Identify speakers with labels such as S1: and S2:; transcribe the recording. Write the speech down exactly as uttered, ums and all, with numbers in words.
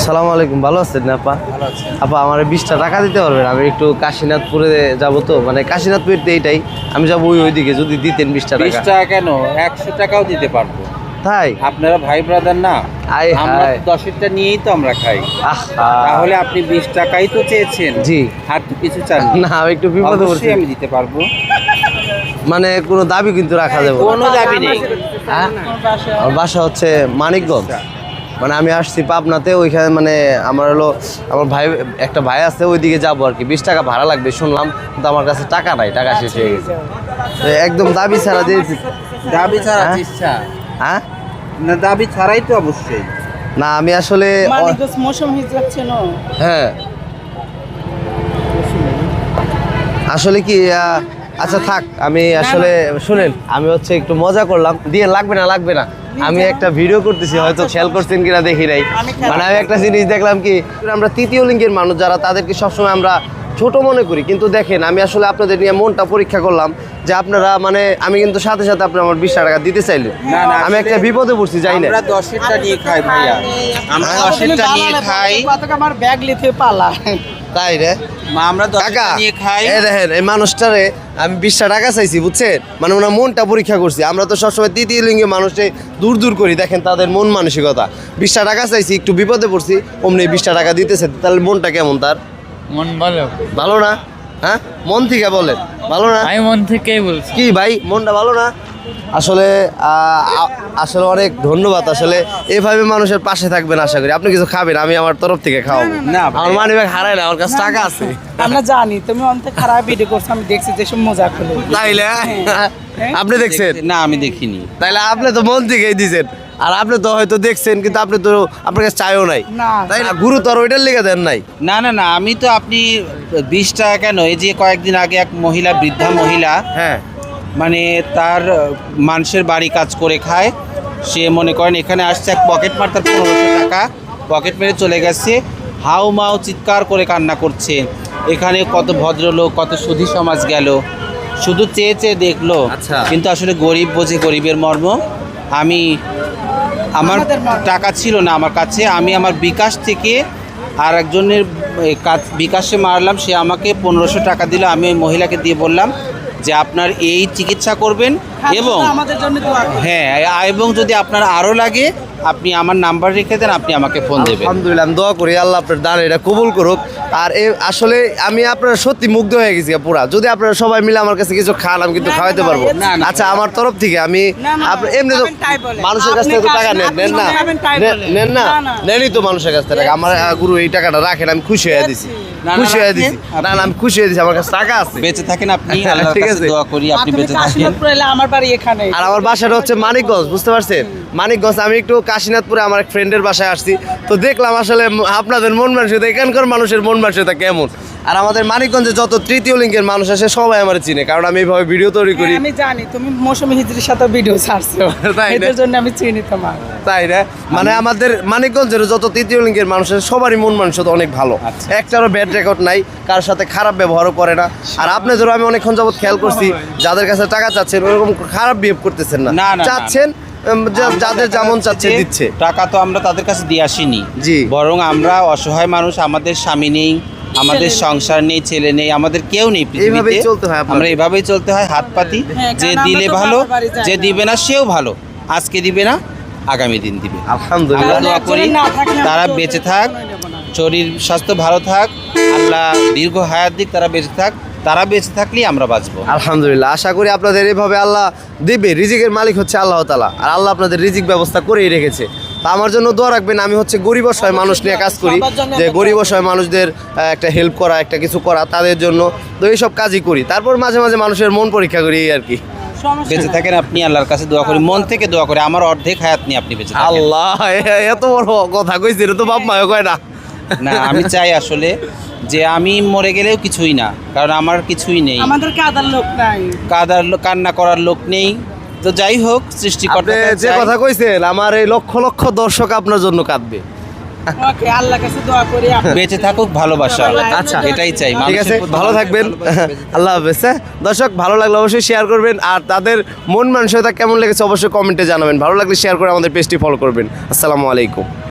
S1: আসসালামু আলাইকুম, ভালো আছেন না আপা?
S2: ভালো আছি।
S1: আপা আমার বিশটা টাকা দিতে পারবেন? আমি একটু কাশীনাথপুরে যাব তো, মানে কাশীনাথপুর এইটাই আমি যাবো ওই ওইদিকে, যদি দিতেন বিশটা
S2: বিশ
S1: টাকা।
S2: টাকা কেন, একশো টাকাও দিতে পারবো।
S1: তাই?
S2: আপনারা ভাই ব্রাদার না?
S1: আয়
S2: আমরা
S1: হায়।
S2: দশেরটা নিয়েই তো আমরা খাই।
S1: আহা।
S2: তাহলে আপনি বিশ টাকাই তো চেয়েছেন।
S1: জি।
S2: আর তো কিছু চান
S1: না, আমি একটু বিপদে পড়ছি।
S2: আমি দিতে পারবো,
S1: মানে কোনো দাবি কিন্তু রাখা যাবে না।
S2: কোনো দাবি নেই।
S1: হ্যাঁ? আমার বাসা হচ্ছে মানিকগঞ্জ, মানে আমি আসছি পাবনাতে, ওইখানে মানে আমার হলো আমার ভাই একটা ভাই আছে, ওইদিকে যাবো আর কি। বিশ টাকা ভাড়া লাগবে শুনলাম, কিন্তু আমার কাছে টাকা নাই, টাকা শেষ হয়ে গেছে। তো একদম দাবি ছাড়া দিয়েছি।
S2: দাবি ছাড়া
S1: হ্যাঁ?
S2: ইচ্ছা
S1: হ্যাঁ
S2: না, দাবি ছাড়াই তো অবশ্যই।
S1: না, আমি আসলে
S3: মানিকগঞ্জ মৌসুম হিজরত চেনো?
S1: হ্যাঁ আসলে কি আহ, আচ্ছা থাক, আমি আসলে শুনেন, আমি হচ্ছে একটু মজা করলাম, দিয়ে লাগবে না লাগবে না। আমি একটা ভিডিও করতেছি, হয়তো খেয়াল করছেন কিনা দেখি নাই। মানে আমি একটা জিনিস দেখলাম কি, আমরা তৃতীয় লিঙ্গের মানুষ যারা, তাদেরকে সবসময় আমরা ছোট মনে করি, কিন্তু দেখেন আমি আসলে আপনাদের নিয়ে মনটা পরীক্ষা করলাম যে আপনারা মানে আমি কিন্তু সাথে সাথে আপনি আমার বিশ টাকা দিতে চাইলেন।
S2: না, না,
S1: আমি একটা
S2: আসলে
S1: বিপদে পড়ছি, যাই না।
S2: আমরা দশেরটা নিয়ে খাই ভাইয়া, আমরা দশেরটা নিয়ে খাই।
S3: আমার ব্যাগ লিতে পালা।
S1: তাই রে
S2: মা, আমরা
S1: কাকা,
S2: দশেরটা নিয়ে খাই।
S1: এই দেখেন এই মানুষটারে আমি বিশটা টাকা চাইছি, বুঝছেন? মানে ওনার মনটা পরীক্ষা করছি। আমরা তো সবসময় তৃতীয় লিঙ্গের মানুষে দূর দূর করি, দেখেন তাদের মন মানসিকতা। বিশটা টাকা চাইছি, একটু বিপদে পড়ছি, অমনি বিশটা টাকা দিতেছে, তাহলে মনটা কেমন তার?
S4: মন ভালো।
S1: ভালো না? হ্যাঁ, মন থেকে বলেন ভালো না?
S4: আমি মন থেকেই বলছি।
S1: কি ভাই, মনটা ভালো না? আসলে আহ, আ- আসলে অনেক ধন্যবাদ। আসলে এভাবে মানুষের পাশে থাকবেন, আশা করি। আপনি কিছু খাবেন, আমি আমার তরফ থেকে খাওয়াবো।
S2: না,
S1: আমার মানি ব্যাগ হারায় না, আমার কাছে টাকা আছে।
S3: আমরা জানি তুমি অন্ত খারাপ ভিডিও করছো, আমি দেখছি যেসব মজা করলো।
S1: তাইলে আপনি দেখছেন?
S2: না, আমি দেখিনি।
S1: তাইলে আপনি তো মন থেকেই দিছেন, আর আপনি তো হয়তো দেখছেন, কিন্তু আপনি তো আপনার কাছে চাইও নাই,
S3: না।
S1: তাই না? গুরুতর ওইটার লেগে দেন নাই।
S2: না না না, আমি তো আপনি বিশ টাকা কেন, এই যে কয়েকদিন আগে এক মহিলা, বৃদ্ধা মহিলা,
S1: হ্যাঁ
S2: মানে তার মানুষের বাড়ি কাজ করে খায়, সে মনে করেন এখানে আসছে, এক পকেট মার তার পনেরোশো টাকা পকেট মেরে চলে গেছে, হাউ মাউ চিৎকার করে কান্না করছে। এখানে কত ভদ্রলোক, কত সুধী সমাজ গেল, শুধু চেয়ে চেয়ে দেখলো,
S1: আচ্ছা।
S2: কিন্তু আসলে গরিব বোঝে গরিবের মর্ম। আমি আমার
S3: আমাদের মর্ম।
S2: টাকা ছিল না আমার কাছে, আমি আমার বিকাশ থেকে আর একজনের এ, কাজ বিকাশে মারলাম, সে আমাকে পনেরোশো টাকা দিল। আমি ওই মহিলাকে দিয়ে বললাম যে আপনার এই চিকিৎসা করবেন, এবং
S3: আমাদের জন্য দোয়া করো।
S2: হ্যাঁ, এবং যদি আপনার আরও লাগে আপনি আমার নাম্বার রেখে দেন, আপনি আমাকে ফোন দেবেন।
S1: আলহামদুলিল্লাহ, আমি দোয়া করি আল্লাহ আপনার দান এটা কবুল করুক। আর এ আসলে আমি আপনারা সত্যি মুগ্ধ হয়ে গেছি পুরা। যদি আপনারা সবাই মিলে আমার কাছে কিছু খান, আমি কিন্তু
S3: না, না,
S1: খাওয়াইতে
S3: না,
S1: পারবো।
S3: না,
S2: না।
S1: আচ্ছা, আমার তরফ থেকে আমি
S3: না, না,
S1: আপনি এমনি তো
S3: খাবেন তাই বলেন।
S1: মানুষের কাছ থেকে তো
S3: আপনি
S1: টাকা নেন
S3: আপনি
S1: নেন না
S3: খাবেন তাই
S1: নেন-
S3: বলেন।
S1: নেন না
S3: না, না।
S1: নেনই তো মানুষের কাছ থেকে টাকা। আমার আহ, গুরু এই টাকাটা রাখেন, আমি খুশি হয়ে দিছি,
S2: না, না,
S1: খুশি হয়ে
S2: রাখেন।
S1: দিছি। না না, আমি খুশি হয়ে দিছি, আমার কাছে টাকা আছে।
S2: বেঁচে থাকেন আপনি, আল্লাহর
S1: ঠিক
S2: কাছে
S1: আছে।
S2: দোয়া করি আপনি
S3: আপনি
S2: বেঁচে থাকেন।
S3: কাশীনাথপুর এলে আমার বাড়ি এখানে।
S1: আর আমার বাসাটা হচ্ছে মানিকগঞ্জ, বুঝতে পারছেন? মানিকগঞ্জ। আমি একটু কাশীনাথপুরে আমার এক ফ্রেন্ডের বাসায় আসছি, তো দেখলাম আসলে ম- আপনাদের মন মানসিকতা, এখানকার মানুষের মন মানসিকতা কেমন। আর আমাদের মানিকগঞ্জে যত তৃতীয় লিঙ্গের মানুষ আছে সবাই আমার চিনে, কারণ আমি এইভাবে ভিডিও তৈরি করি।
S3: হ্যাঁ, আমি জানি তুমি মৌসুমী হিজরির সাথে ভিডিও ছাড়ছো,
S1: তাই না?
S3: এদের জন্য আমি চিনি তোমার।
S1: তাই না? মানে আমাদের মানিকগঞ্জের যত তৃতীয় লিঙ্গের মানুষ আছে সবারই মন মানসিকতা অনেক ভালো।
S2: আচ্ছা।
S1: একটারও ব্যাড রেকর্ড নাই, কার সাথে খারাপ ব্যবহারও করে না। আর আপনাদেরও আমি অনেকক্ষণ যাবত খেয়াল করছি, যাদের কাছে টাকা চাচ্ছেন ওরকম খারাপ বিহেভ করতেছেন না,
S2: না, না, না,
S1: চাচ্ছেন উম, যা-
S2: আমরা
S1: যাদের
S2: দেখা
S1: যেমন
S2: যাচ্ছে
S1: চাচ্ছে
S2: যে
S1: দিচ্ছে।
S2: টাকা তো আমরা তাদের কাছে দিয়ে আসিনি,
S1: জি।
S2: বরং আমরা অসহায় মানুষ, আমাদের স্বামী নেই, আমাদের
S3: ছেলে নেই।
S2: সংসার নেই, ছেলে নেই, আমাদের কেউ নেই পৃথিবীতে।
S1: এইভাবেই চলতে হয় আপনাদের।
S2: আমরা এইভাবেই চলতে হয়, হাত পাতি।
S3: হ্যাঁ,
S2: যে
S3: কারণ আমরা
S2: দিলে
S3: তো
S2: ভালো,
S3: বাবার বাড়ি যাই
S2: যে
S3: না।
S2: দিবে না সেও ভালো, আজকে দিবে না আগামী দিন দিবে। আমরা
S1: আলহামদুলিল্লাহ।
S2: দোয়া করি
S3: একজনের না থাকলে আমরা
S2: তারা
S3: তো
S2: বেঁচে
S3: ওদের
S2: থাক,
S3: কখনোই নেব না।
S2: শরীর স্বাস্থ্য ভালো থাক, আল্লাহ দীর্ঘ হায়াত দিক, তারা বেঁচে থাক, তারা বেঁচে থাকলেই আমরা বাঁচবো।
S1: আলহামদুলিল্লাহ, আশা করি আপনাদের এইভাবে আল্লাহ দিবে। রিজিকের মালিক হচ্ছে আল্লাহ তাআলা, আর আল্লাহ আপনাদের রিজিক ব্যবস্থা করেই রেখেছে। তা আমার জন্য দোয়া রাখবেন। আমি হচ্ছে গরিব অসহায় মানুষ নিয়ে কাজ করি,
S3: সবার জন্য
S1: যে
S3: একটা
S1: গরিব অসহায় মানুষদের আহ, একটা হেল্প করা, একটা কিছু করা তাদের জন্য। তো এইসব কাজই করি, তারপর মাঝে মাঝে মানুষের মন পরীক্ষা করি, এই আর কি।
S3: সমস্যা
S2: বেঁচে
S3: নেই।
S2: থাকেন আপনি, আল্লাহর কাছে দোয়া করি, মন থেকে দোয়া করি, আমার অর্ধেক হায়াত নিয়ে আপনি বেঁচে থাকেন।
S1: আল্লাহ, এ- এত বড় কথা কইছে, এটা তো বাপ মায়ও কয় না।
S2: না, আমি চাই আসলে যে আমি মরে গেলেও কিছুই না, কারণ আমার কিছুই নেই,
S3: আমাদেরকে আদার লোক নাই।
S2: কাদার লো- কান্না করার লোক নেই। তো যাই হোক,
S1: আপনি
S2: সৃষ্টিকর্তা
S1: যে কথা কইছেন, আমার এই লক্ষ লক্ষ দর্শক আপনার জন্য কাঁদবে।
S3: ওকে, আল্লাহর কাছে দোয়া করি আপনি-
S2: বেঁচে থাকুক ভালোবাসা,
S1: আচ্ছা।
S2: এটাই চাই।
S1: ঠিক
S2: মানুষের
S1: আছে,
S2: প্রতি
S1: ভালো থাকবেন।
S2: ভালোবাসা, বেঁচে থাকুক।
S1: আল্লাহ হাফেজ। হ্যাঁ দর্শক, ভালো লাগলে অবশ্যই শেয়ার করবেন, আর তাদের মন মানসিকতা কেমন লেগেছে অবশ্যই কমেন্টে জানাবেন। ভালো লাগলে শেয়ার করে আমাদের পেজটি ফলো করবেন। আসসালামু আলাইকুম।